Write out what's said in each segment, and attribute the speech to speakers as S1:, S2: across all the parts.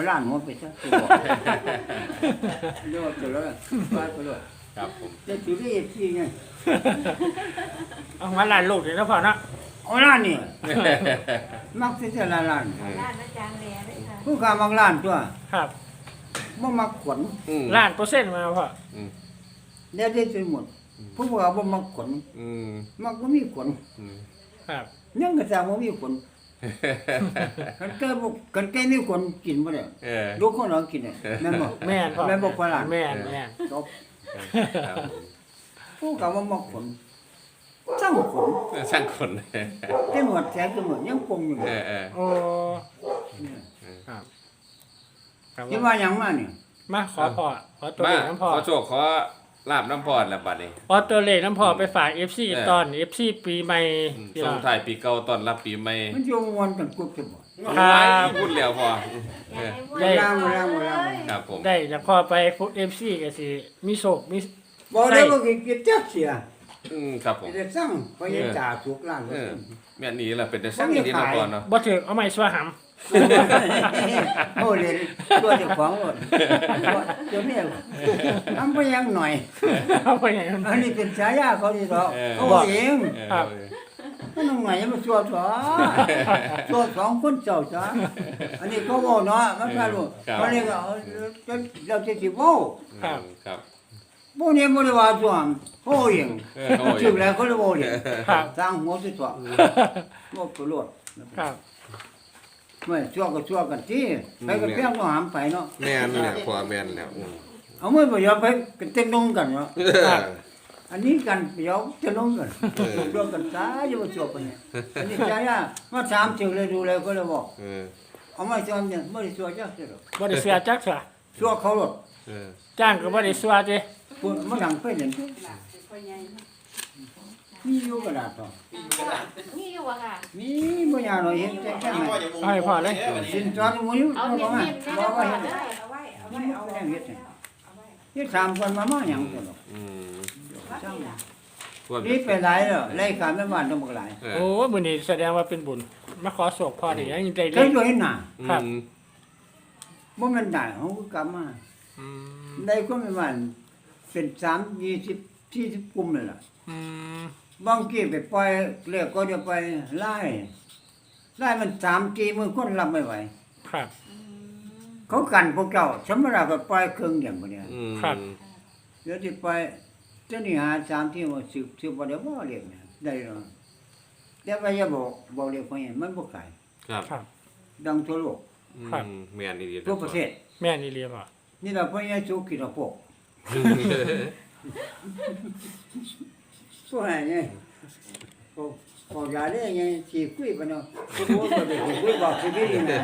S1: ล้านหัวไปซะสิบอกเดี๋ยวจะแล้วไปเลย
S2: ครับผม
S1: จะถือได้ที่ไง
S3: เอามาล้านลูกเดี๋ยวนะพ่อเนาะ
S1: เอาล้านนี่มักจะล้าน
S4: ร้านอาจารย์แหล่เลยค่ะ
S1: ผู้ค้ามักล้านตัว
S3: ครับ
S1: บ่มักขน
S3: ล้านเปอร์เซ็นต์มาพ่อ
S1: แล้วได้ไปหมดผู้ค้าบ่มักขนมักบ่มีขน
S3: ครับ
S1: ยังก็จะบ่มีขนกันแก่มีขนกินบ่ได้ลูกคนเรากินได้แม่นบ่
S3: แม่นพ่อ
S1: แม่นบ่พอล้าน
S3: แม่น
S1: จบผู้ค้าบ่มักขนสร้างขน
S2: สร้างคน
S1: แต่หมดแสนก็หมดยังปงอยู่
S3: โอ้ครับครับ
S1: คิดว่าหยังมานี่
S3: มาขอพ่อขอตัว
S2: มา
S3: เลขน้ำพ่อ
S2: ขอโชคขอลาบน้ำพอดแล้วบัดนี้
S3: ขอตัวเลขน้ำพ่อไปฝาก FC ตอน FC ปีใหม่ที่
S2: ส่ง
S3: ว่า
S2: ท้ายปีเก่าต้อนรับปีใหม่
S1: มันอยู่ม่วนกันกุบจะบ่
S3: ครับ
S2: พูดแล้วพอ
S4: อยากให้
S1: ได้
S2: ครับผม
S3: ได้จากพ่อไปฟุต FC ก็สิมีโศกมี
S1: บ่ได้บ่กินจักเสีย
S2: ครับผม
S1: จะสั่งไปยังจ่าถูกล้าน
S2: แม่นี้ล่ะเป็นแต่สร้างอย่างนี้น้ำพอดเนาะ
S3: บ่ถึกเอาไม้สวหำ
S1: โอ้เลยตัวเจ้าของหมดตัวเมียทำไปยังหน่อย
S3: เอาไปอย่างนั้น
S1: อันนี้เป็นฉายาเขาดีดอกเขาเอง
S3: ครับ
S1: มันน้องหน่อยยังมาชัวชัวสองคนเจ้าจ้าอันนี้เขาบอกเนาะมันก็รู้เขาเรียกว่าเราจะสิบ่
S2: ครับ
S1: บ่เนี่ยบ่ได้ว่าชัวเขาเองชื่อแล้วเขาเลยบ่เอง
S3: ครับ
S1: สร้างหัวสิตัวบ่ประโยชน์
S3: ครับ
S1: ไม่ชั่วก็ชั่วกันที่ไปก็เพียงต้องหามไปเนาะ
S2: แม่นแล้วพอแม่นแล้ว
S1: เอามือไปยอมไปกันเต็มลงกันเนาะอันนี้กันยอมจะลงกันรวมกันตาอยู่ว่าชั่วไปเนี่ยอันนี้ใจอ่ะมาถามถึงเลยดูเลยก็เลยบอกเอามาชั่วเนี่ยไม่ได้ชั่วจักเสียหรอก
S3: บ่ได้เสียจักเสีย
S1: ชั่วเขาหรอก
S3: จ้างก็บ่ได้เสียติ
S1: พูดมาดังไปเนี่ยมีอยู่กระดาษต่อ
S4: นี่อยู่อะค่ะ
S1: มีบ่ยาหน่อยเห็นแค่ไหน
S3: เอาให้พ่อเลย
S1: สินจอดมืออยู่
S4: เอา
S1: บ่
S4: เน้น
S1: ว่า
S4: ๆนะ
S1: บ่ว่าเห็น
S4: ได้
S1: นี่มันก็ยังเฮ็ดนี่ถามคนมาหยังตัวหรอกช่างนี่ไปหลายแล้วรายการแม่บ้านต้องบ่หลาย
S3: โอ้มื้อนี้แสดงว่าเป็นบุญมาขอโศกพ่อนี่ยังได้เล
S1: เคย
S3: ข
S1: ดูเห็นหน้า
S3: ครับ
S1: บ่แม่นได้เฮาก็กลับมา
S3: อืม
S1: ได้ก็แม่บ้านเป็น3 20 40กลุ่มนั่นล่ะ
S3: อืม
S1: บางทีไปปล่อยเรียกก็จะไปไล่มัน3 4มื้อคนรับไม่ไหว
S3: ครับ
S1: เขากันพวกเจ้าสมราก็ปล่อยครึ่งเดียวบ่เนี่ยเดี๋ยวสิปล่อยเจ้านี่หา3ที่ว่าสืบบ่ได้บ่เรียกเนี่ยได้เนาะแต่ว่าอย่าบอกเรียกเพราะหยังมันบ่ขาย
S2: ครับ
S3: ครับ
S1: ดังทั่วโลก
S2: แม่นดี
S1: ทั่วประเทศ
S3: แม่นี่เรียกว่า
S1: นี่ล่ะเพราะยังสุกินพวกผู้ให้ไงพอยาได้ไงสิคุยปะเนาะผู้บ่ได้คุยบอกสิดีนะ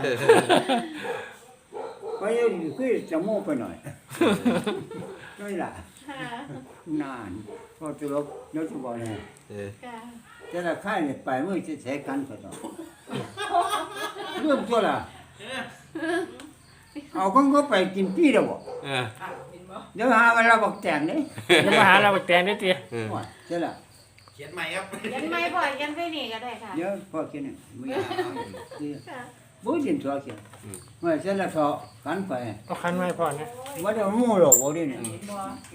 S1: ไปคุยจะโม้ไปหน่อยนี่ล่ะ
S4: ค่ะ
S1: นานพอจะลบเดี๋ยวจะบอกเลย
S4: ค่ะ
S1: แต่ละค่ายเนี่ยไปมื้อสิใช้กันซะต่อเรื่องตัวล่ะเอาของเขาไปกินปีแล้วบ่เดี๋ยวหาเวลาบอกแต่งเด้
S3: จะมาหาเราไปแต่งได้ติ
S1: ว่าเจ้าล่ะ
S5: เขียนใหม่ครับ
S4: ยันไม่บ่อยยันไปนี่ก็ได้ค่ะ
S1: เดี๋ยวพอกินนี่มื้อนี้
S4: ค่ะ
S1: บ่กินตัวเขียนว่าเจ้าล่ะเขากันไป
S3: เอาคันไว้พ่อนะ
S1: บ่ได้หมู่หรอกบ่ได้เนี่ย
S4: บ่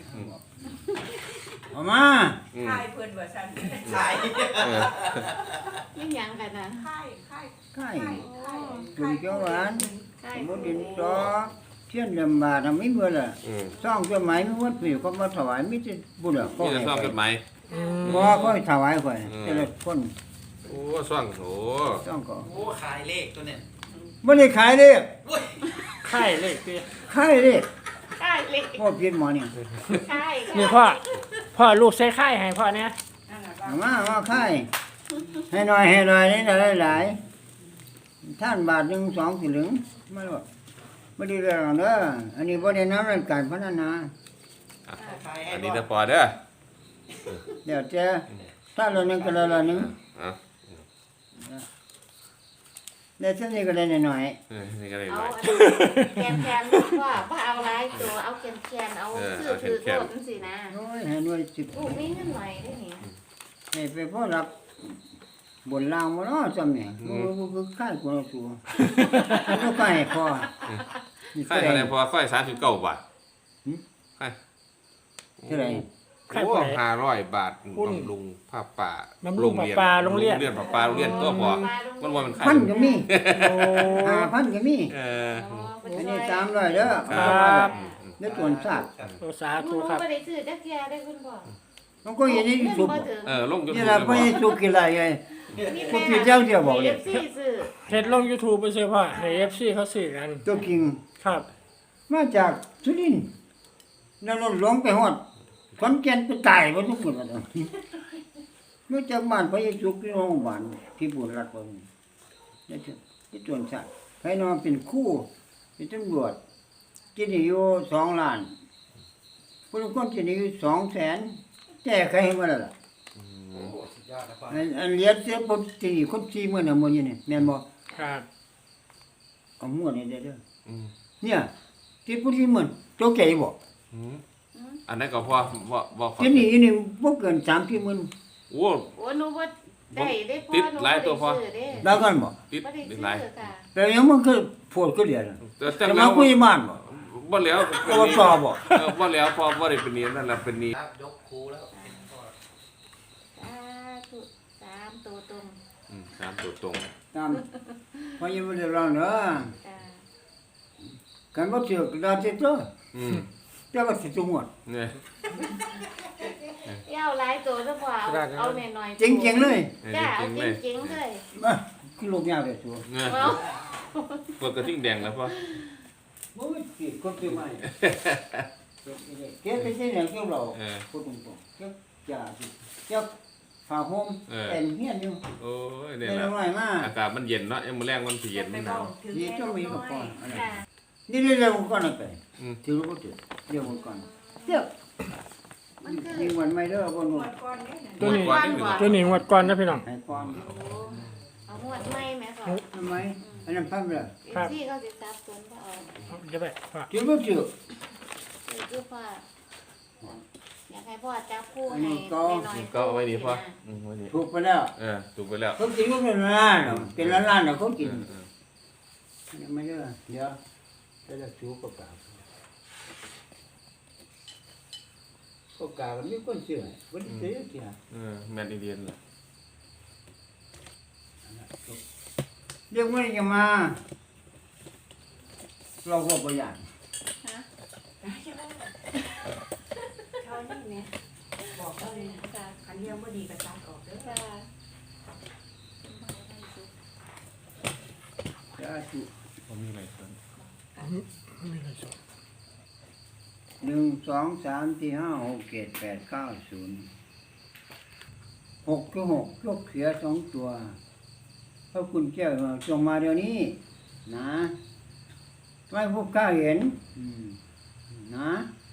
S1: เอามา
S6: ค่ายเพิ่นว่าซั่น
S5: ขาย
S4: ไม่ยังกันนะ
S6: ค่ายค่าย
S1: ไข่
S4: โอ้
S1: จุ่มเขียวหวาน
S4: ใช่
S1: บ่ดินตอเทียนลำบากทำไม่เบื่อล่ะซ่องตัวไหมมีวัดผิวก็มาถวายมีแต่บุญอ่ะก็
S2: นี่จะ
S1: ให้
S2: ซ่อม
S1: ไป
S2: กันไหม
S3: อืม
S1: บ่ก็ถวายไปแต่ละคน
S2: โอ้ซ่องโอ้
S1: ซ่องก็
S5: โอ้ขายเลขตัวเนี่ย
S1: บ่ได้ขายเด้
S5: อุ้ย
S3: ค่ายเลขติ
S1: ขายเด้
S4: ใช่เลย
S1: พ่อเพียนหมอนี่
S4: ใช่
S3: นี่พ่อลูกใส่ค่ายให้พ่อเนี่ย
S6: นั่นน่ะ
S1: เอามาขายให้หน่อยนี่หลายๆท่านบาท1 2สิเหลึงมาโลดบ่ได้เรื่องเด้ออันนี้บ่ได้นำเรื่องการพัฒนา
S5: ขายให้
S2: อัน
S5: บ
S2: นี้
S5: อก
S2: จะพอเด้อ
S1: เดี๋ยวจะถ้าเรานึงก็ละนึง
S2: อ่ะ
S1: ได้ซั่นนี่ก็ได้หน่อย
S2: นี่ก็ได้ห
S4: เอา
S2: น่อย
S4: แคนว่าเอาหลายตัวเอาแคนเอาซื้อถือโดดสินะ
S1: ๆโอ้ยให้หน่วย10
S4: ลูกมีเงินหน่อยได้นี่
S1: ให้ไปพอรับบนล่างบ่เนาะจำเนี่ยบ่คือค่ายกว่าตัวบ่ค่ายพอ
S2: ค่ายเท่าไหร่พอค่าย39 บาทค่าย
S1: เท่าไหร่
S3: ค่าย
S2: โอ้
S3: เท่าไหร่
S2: 500 บาท
S3: หุ้น
S2: บำรุงผ้าป่า
S3: บำรุงผ้าป่าโรงเรียน
S2: ผ้าป่าโรงเรียนตัวพอมันว่ามันค่าย
S1: พันก็มี
S3: โอ้
S1: 5,000ก็มี
S2: เออ
S1: อันนี้300เด้อ
S3: ครับ
S1: ได้ตวนซาก
S3: โอ้สา
S4: ห
S3: ธุ
S4: นู
S3: ครับ
S4: บ่ได้ซื้อจักแย่ได้คุณพ่อ
S1: มันก็อย่างนี้
S4: เงิน
S1: สุบ
S4: บ่ถึง
S2: ลงจน
S1: นี่ล่ะบ่ได้สุกินอะไรไง พวกพี่เจ้าเดียวบอกเลย
S4: ซื้อซื้อ
S3: เฮ็ดลง YouTube ไปซื้อพ่อให้ FC เขาซื้อกัน
S1: ตัวกิง
S3: ครับ
S1: มาจากสุรินทร์แล้วรถหลวงไปฮอดขอนแก่นไปตายบ่ทุกคนว่ามาจากบ้านไปสุกที่โรงพยาบาลที่บุรีรัมย์บ่นี่ที่ตวนซากให้นอนเป็นครูเป็นตำรวจกินอยู่2 ล้านผู้ลางคนกินอยู่200,000แก้ไขให้มาแล้วล่ะ
S5: โอ้สุดยอดนะพ่อ
S1: อันเลียดเสียบ่ตีคน40,000น่ะมื้อนี้นี่แม่นบ่
S3: ครับ
S1: เอาหมวดนี่เด้อ
S2: อืม
S1: เนี่ยที่ผู้ที่มันโตแก่บ่
S2: อืมอันนั้นก็พอบ่
S1: ที่นี่นี่บ่เกิน30,000
S2: โอ้
S4: โอ้หนูบ่ได้ได้พ่อ
S2: ติด
S4: หนู
S2: หลายตัวพ่อ
S4: บ่ได้ซื้อเด้
S1: ได้กันบ่
S2: ติด
S4: บ่ได้
S2: ติด
S4: ซื้อ
S2: หลาย
S4: ค่ะ
S1: แต่ยังมันคือโพดคือเดียวน่ะ
S2: แต่
S1: แต่
S2: แล้
S1: มาว คุยบ้านบ่
S2: บ่แล้ว
S1: ก็ต่อบ่
S2: บ่แล้วพอบ่ได้เป็นนี้นั่นแหละเป็นนี้
S5: ครับยกครูแล้วพ่อ
S4: สาธุ3ตัวตรง
S2: 3ตัวตรง
S1: ตามพอยังบ่ได้ร้องเด้อ
S4: จ้า
S1: กันบ่ถือก็ได้ติดตัว
S2: อืม
S1: แต่ว่าสิจุงหมด
S2: เนี่ย
S4: เอาหลายตัวซะพ่อเอาน้อยๆ
S1: จริงๆเลย
S4: จ้าเอา
S2: จริงๆเลย
S4: จริงๆเลย
S1: มาคือลูกยาวได้ตัว
S2: เนี่ย
S4: เอา
S2: เปิดกระทิ่งแดงแล้วพ่อ
S1: โอ้ยสิคนคือไม่เก็บไปสิเนี่ยเกี่ยวเรา
S2: เออ
S1: พูดตรงๆเก็บจ่าสิเก็บผ้าห่ม
S2: เออ
S1: เต็มเฮียนอยู่
S2: โอ้ยเนี่ย
S1: ได้
S2: แหละ
S1: น้อยมา
S2: อากาศมันเย็นเนาะยังมื้อแรงมันสิเย็นมันหนาว
S1: นี่ต้องมีกับก่อน
S4: จ้า
S1: นี่เรื่องก่อนน่ะไป
S2: อืม
S1: ถือรู้บ่ถือเรื่องก่อนเดี๋ยว
S4: มันคือ
S1: มีวันไม่เด้อบ่หนู
S3: ตัวนี้
S4: ก่อนบ่
S3: ตัวนี้งวดก่อนนะพี่น้อง
S1: ให้ก่อน
S4: เอาหมวดใหม่แม่พ่อ
S1: ทำไมอันนั้นพับเลย
S3: ครับ
S4: ที่เขาสิซับสนพ่อเอา
S3: จะไปพ่อ
S1: ถือบ่ถือ
S4: คือพ่ออยากให้พ่อจับคู่
S1: อัน
S4: ให้
S1: นี้ก็
S4: น้อยๆ
S2: ก็เอาไว้นี่พ่อไว้นี่
S1: ถูกไปแล้ว
S2: ถูกไปแล้ว
S1: เขากินก็เป็นล้านๆเป็นล้านๆน่ะเขากินยังไม่เด้อเดี๋ยวจะถูกกับกาก็กาก็มีคนซื้อบ่ได้ซื้อที่น่ะ
S2: แม่นอินเดียนล่ะ
S1: เรียกว่าจะมา เราก็บ่อยาก
S6: เขานี่เนี่ยบอกเขาเลยคันเดียวบ่ดีก็ตัดออกเด้อ
S4: จ้า
S1: จะถูก
S2: บ่มีอะไรเพิ่น
S3: ไม่ได้สอน
S1: 1 2 3 4 5 6 7 8 9 0 6คือ6ยกเสีย2ตัวพระคุณเจ้าจงมาเดี๋ยวนี้นะไม่พวกข้าเห็นนะ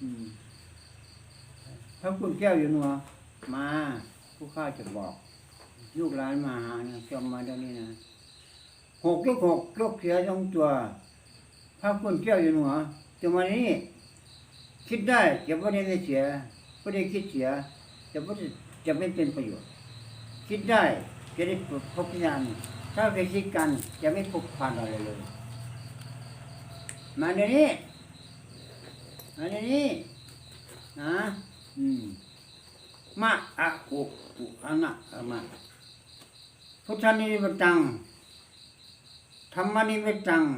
S1: พระคุณเจ้าอยู่หนัวมาผู้ข้าจะบอกลูกหลานมาหานะจงมาเดี๋ยวนี้นะ6ยกเสีย2ตัวพระคุณเจ้าอยู่หนัวจงมาเดี๋ยวนี้คิดได้จะไม่ได้เสียไม่ได้คิดเสียจะไม่เป็นประโยชน์คิดได้จะได้พบญาณถ้าไปคิดกันจะไม่พบผ่านอะไรเลยมาเดี๋ยวนี้มาเดี๋ยวนี้นะมะอะอุอะนะอะมะพุทธานิมิตตังธรรมนิมิตตัง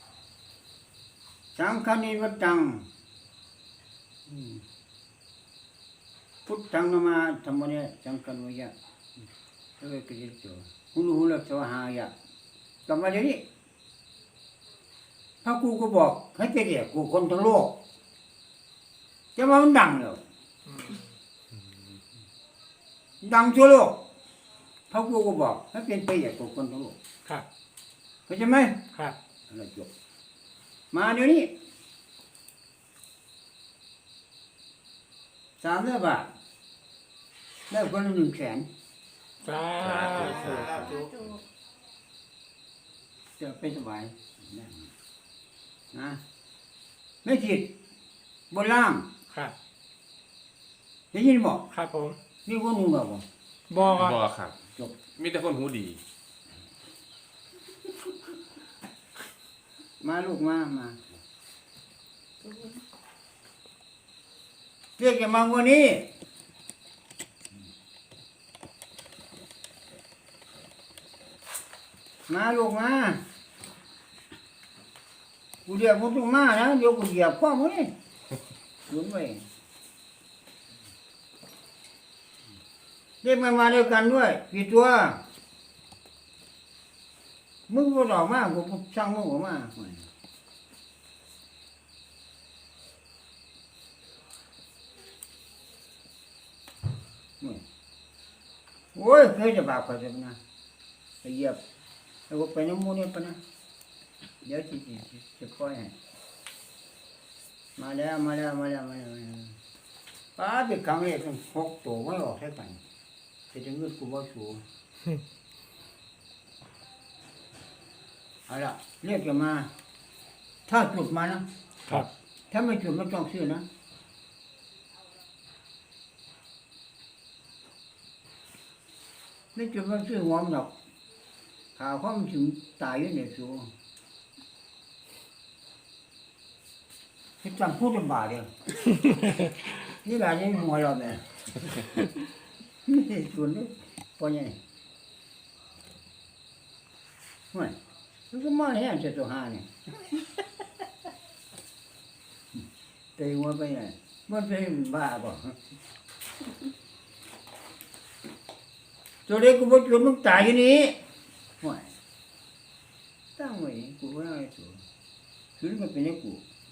S1: สังฆนิมิตตังพุทธังนามาธรรมะสังฆนุยะแล้วก็คิดตัวhuluสวหายะกลับมาเดี๋ยวนี้พระกูก็บอกให้ไปเรียกกูคนทั้งโลกจะมามันดังเลยดังทั่วโลกพระกูก็บอกให้เป็นไปเรียกกูคนทั้งโลก
S3: ครับ
S1: เข้าใจไหม
S3: ครับ
S1: อะไรจบมาเดี๋ยวนี้300 บาทได้คนละ100,000
S3: สาธุ
S1: จะไปสบายนะไม่ผิดบนล่าง
S3: ครับ
S1: ได้ยินบอก
S3: ครับผม
S1: นี่คนหูแบบบอก
S3: บอกครับ
S2: บ่ครับ
S1: จบ
S2: มีแต่คนหูดี
S1: มาลูกมาเรียกจะมากว่านี้มาลูกมากูเรียกมึงต้องมานะเดี๋ยวกูเหยียบข้อมึงนี่หยุดไว้เรียกมันมาด้วยกันด้วยกี่ตัวมึงก็ออกมากูช่างมึงออกมาโอ้ยเคยจะบาปกันจังนะไปเหยียบแล้วก็ไปน้ำมูนี่ปะนะเดี๋ยวจะปล่อยให้มาแล้วป้าไปครั้งแรกต้องพกตัวไม่ออกแค่กันจะถึงเงินกูบ่สูงเอาละเรียกจะมา ถ้าจุดมานะครับ ถ้าไม่จุดไม่ต้องซื้อนะไม่จุดไม่ซื้อหัวมันหรอกข่าวเขามันถึงตายอยู่ในสูงที่จำพูดลำบากเลย นี่แหละยังหัวเราเนี่ยนี่ส่วนนี้พอไงไม่มันก็มาแห้งจะตัวหาเนี่ยตีหัวไปไงมันเป็นบ้าป่ะตัวเด็กกูบอกมึงตายอยู่นี่ไม่ตั้งไว้กูไม่เอาไอ้ตัวคือมันเป็นไอ้กู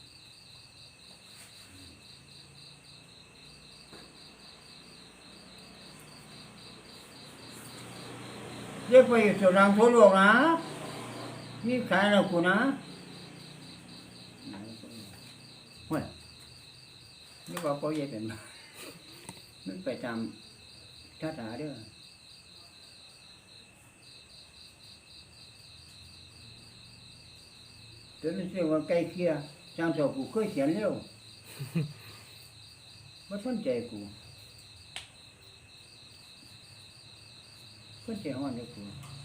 S1: เรียกไปสุรังทั่วโลกนะมีขายแล้วกูนะเฮ้ยนี่บอกเขาเย็บเป็นมันไปตามท่าทางเด้อเดี๋ยวมันเสียว่าใกล้เคียจางสอบกูเคยเขียนเร็วไม่สนใจกูก็เจ้าวันเดียวกู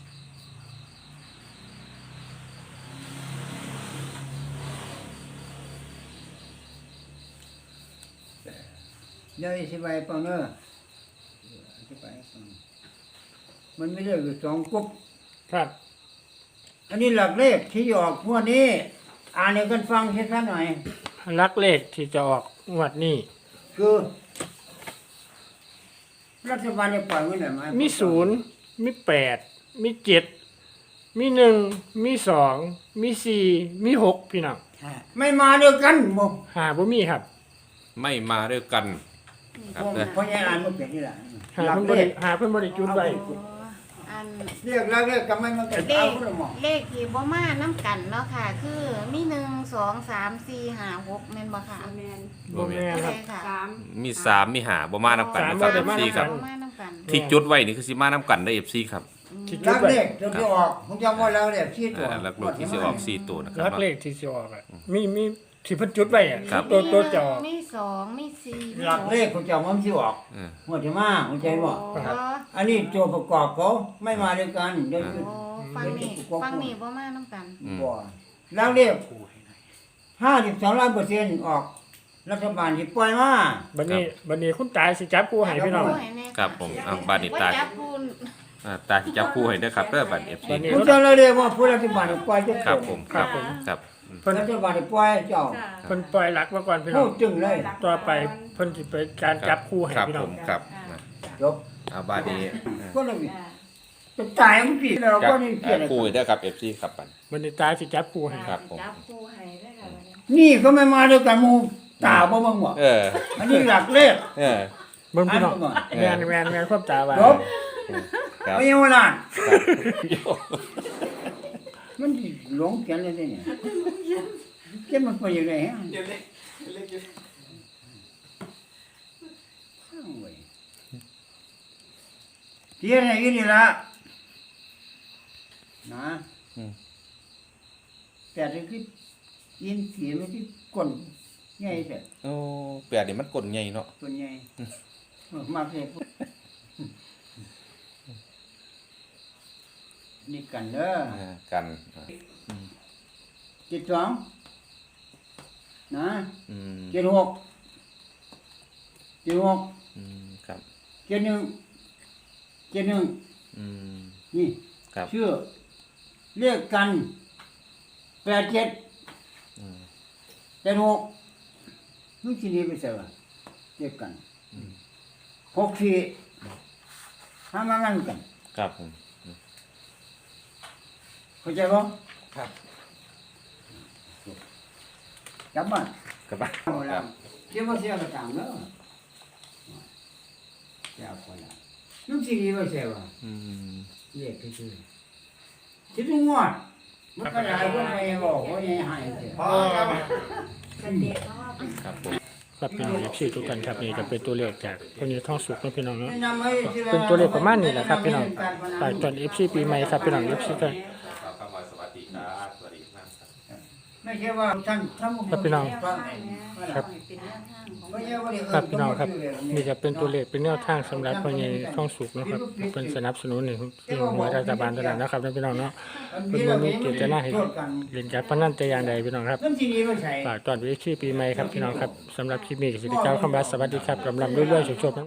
S1: เดี๋ยวอธิบายฟังเนอะอธิบายฟังมันไม่ได้อยู่สองกุ๊บ
S3: ครับ
S1: อันนี้หลักเลขที่ออกพวกนี้อ่านให้กันฟังชัดๆหน่อย
S3: ลักเลขที่จะออกงวดนี้
S1: คือรัฐบาลจะปล่อยเงินไหนมา
S3: มี 0 มี 8 มี 7 มี 1 มี 2 มี 4 มี 6 พี่น้อง
S1: ไม่มาเดียวกันหมด
S3: หาบ่มีครับ
S2: ไม่มาด้วยกันครับนะ
S1: เพราะยังอ่านมันเป็นนี่แหละ
S3: หา
S1: หลัก
S3: เพิ่น
S1: เล
S3: บ่ได้
S1: ข
S3: หาเพิ่นบ่ได้จุดไว้
S4: อัน
S1: เรียกหลักเลขก็ไม่มาเกิด
S4: เล
S1: เอา
S4: ข
S1: คนละหมอ
S4: เลขที่บ่มาน้ำกันเนาะค่ะ คือมี1 2 3 4 5 6แม่นบ่ค่ะ
S6: แมน
S3: บ่แม่นครับ
S4: ค่ะ
S6: สาม
S2: มี3มี5บ่มานํกันนะค
S3: สา
S2: รั
S3: ม
S2: บ
S3: บ่ได้
S2: FC ครับ
S4: บ่มาน้ำกัน
S2: ที่จุดไว้นี่คือสิมานํกันได้ FC ครับ
S3: ที่
S1: ห
S3: จุ
S1: ลั
S3: ด
S1: ก
S3: ไว้
S1: เลขตัวที่ออกผมจำไว้แล้วเลขที่ตัว
S2: หลักลูกที่สิออก4ตัวนะครั
S3: ลั
S2: บ
S3: กเลขที่สิออกอะมีที่เพิ่นจุดไว้อะ
S2: ครับ
S3: ตัวจะออก
S4: มี2มี4มี
S1: หลักเลขผมจำว่ามันที่ออก
S2: เออ
S1: หัวจะมาหัวใจบ่
S4: โอ้
S1: อันนี้ตัวประกอบเขาไม่มาด้วยกันเดี๋ยว
S4: โอ้ฟังนี่บ่มาน้ำกัน
S1: บ่หลักเลข52%ออกรัฐบาลที่ปล่อยมา
S3: บัดนี้คุณตายสิจับกูให้พี่น้อง
S2: ครับผมอ่ะบาดนี้ตา
S4: ว่าจับปูน
S2: ตาสิจับคู่ให้เด้อครับเด้อบัด FC
S3: บัดนี้
S1: ผมจะเรียกว่าผู้รัฐบาลปล่อยจะ
S2: ครับผมครับครับ
S3: เพิ่น
S1: รัฐบาลปล่อยเจ้า
S3: เพิ่นปล่อยหลักมาก่อนพี่น้
S1: พู
S3: อง
S1: ดจึงเลย
S3: ต่อไปเพิ่นสิไปการจับคู่ให้
S2: ครับ
S3: พี่น้
S2: ผ
S3: อง
S2: มครับ
S1: จบ
S2: บาดนี้
S1: ก็เลยจะตายมันผิดแล้ว
S2: จั
S1: ก็
S2: บ
S1: นี่เกี่ยวอะไร
S2: คู่ให้เด้อครับ FC ครับบัด
S3: บัดนี้ตายสิจับคู่ให้
S2: ครับผม
S6: จับคู่ให้ได้ค่ะวันนี้
S1: นี่ก็ไม่มาด้วยกันหมูตาบ่มึงบ่
S2: เออ
S1: อันนี้หลักเลข
S2: เออ
S3: เบิ่งพี่น้อง
S1: อ่านก่อน
S3: แม่นความตาว่า
S1: จบ
S2: ครับ
S1: ไม่ยังว่านั่น
S2: ครับ
S1: มันสิหลงเขียนเลยเนี่ยเขียนมันไปยังไงฮะ
S5: เดี๋ยวเล็กเล็กอยู่
S1: เขียนอะไรนี่ละนะแต่ที่คือยินเสียงมันที่ก้นใหญ่แต่
S2: โอ้แปดนี่มันกลใหญ่เนาะ
S1: ก้นใหญ่มากเลยนี่กันเด้อ
S2: กัน
S1: 12 นะ
S2: อืม
S1: 76
S2: อืมครับ
S1: 71
S2: อืม
S1: นี่
S2: ครับ
S1: ชื่อเรียกกัน87
S2: อืม
S1: 76มึงสิหนีไปไสวะเรียกกัน64ทำงานกัน
S2: ครับผม
S1: เข้าใจบ่
S5: ครับ
S1: กลับบ้าน
S2: กลับบ้าน
S1: เอาละเดี๋ยวบ่เสียก็ตามเด้อจะเอาคนละมึงสิหนีไปไสวะ
S2: อืม
S1: เรียกคือคิดงวดมันก็ได้บ่ได้บอกว่าให้หายเด้อ
S5: พ่อครับ
S6: สเต็ปเขาว่าเป็น
S2: ครับผม
S3: ครับพี่น้องFC ทุกท่านครับนี่จะเป็นตัวเลขจากพญท่องสุขนะพี่น้องเนาะ
S1: แนะนำให้สิ
S3: เป็นตัวเลขประมาณนี้แหละครับพี่น้องฝากตอน FC ปีใหม่ครับพี่น้อง FC ครับ
S2: ครับเข้ามาสวัสดีครับสวัสดีครับ
S1: ไม่ใช่ว่าท่านทำ
S3: ครับพี่น้อง
S6: ครับเป็นแนวทางของ
S1: ไม่ใช่ว่าเดี๋ยว
S3: ครับพี่น้องครับนี่จะเป็นตัวเลขเป็นแนวทางสำหรับพญท่องสุขนะครับเป็นสนับสนุนในที่หวยรัฐบาลเท่านั้นนะครับนะพี่น้องเนาะเป็นบ่มีเจตนาให้เล่นการพนันแต่อย่างใดพี่น้องครับ
S1: นั่นที่นี่ไม่ใช่
S3: ฝากตอนวิธีปีใหม่ครับพี่น้องครับสำหรับคลิปนี้ก็สิได้กล่าวคำว่าสวัสดีครับลำๆรวยๆโชคๆ